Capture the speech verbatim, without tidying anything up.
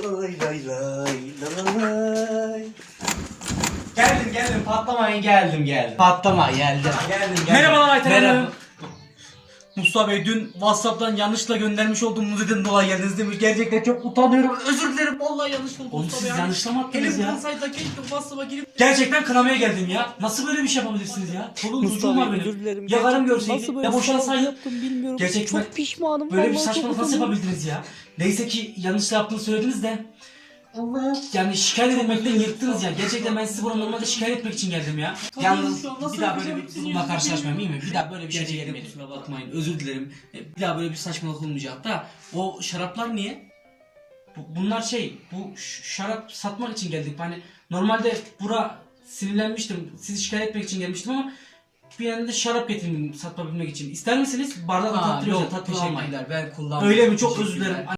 Lay lay lay lay. Geldim geldim patlamayın geldim geldim. Patlama geldim. Geldim geldim. Merhabalar Ayten Merhaba. Hanım. Mustafa Bey dün WhatsApp'tan yanlışla göndermiş olduğum müzeden dolayı geldiniz demiş. Gerçekten çok utanıyorum. Özür dilerim. Vallahi yanlış oldu Oğlum Mustafa siz Bey. yanlışla mı attınız Elim ya? olsaydı keşke WhatsApp'a girip gerçekten kınamaya geldim ya. Nasıl böyle bir şey yapabilirsiniz ya? Çoluğum çocuğum Mustafa var Bey, özür benim. dilerim. Ya karım Gerçekten görseydi nasıl böyle ya boşansaydı. yaptım bilmiyorum. Gerçekten çok pişmanım. Böyle bir vallahi çok saçmalık nasıl utanıyorum. yapabildiniz ya? Neyse ki yanlışla yaptığını söylediniz de. Allah. Yani şikayet etmekten yırttınız ya. Gerçekten ben sizi buraya normalde şikayet etmek için geldim ya. Yalnız bir daha böyle bir durumla karşılaşmayayım iyi mi? Bir daha böyle bir şey gelmeyin. Kusura bakmayın. Özür dilerim. E, Bir daha böyle bir saçmalık olmayacak. Hatta o şaraplar niye? Bu- Bunlar şey, bu ş- şarap satmak için geldik. Hani normalde bura sinirlenmiştim. Sizi şikayet etmek için gelmiştim ama bir yanında şarap getirdim satabilmek için. İster misiniz? Bardak Aa, tattırıyorlar, yok tatlı şey. kullanmayın. Ben kullanmam. Öyle mi? Çok özür Teşekkürler. dilerim.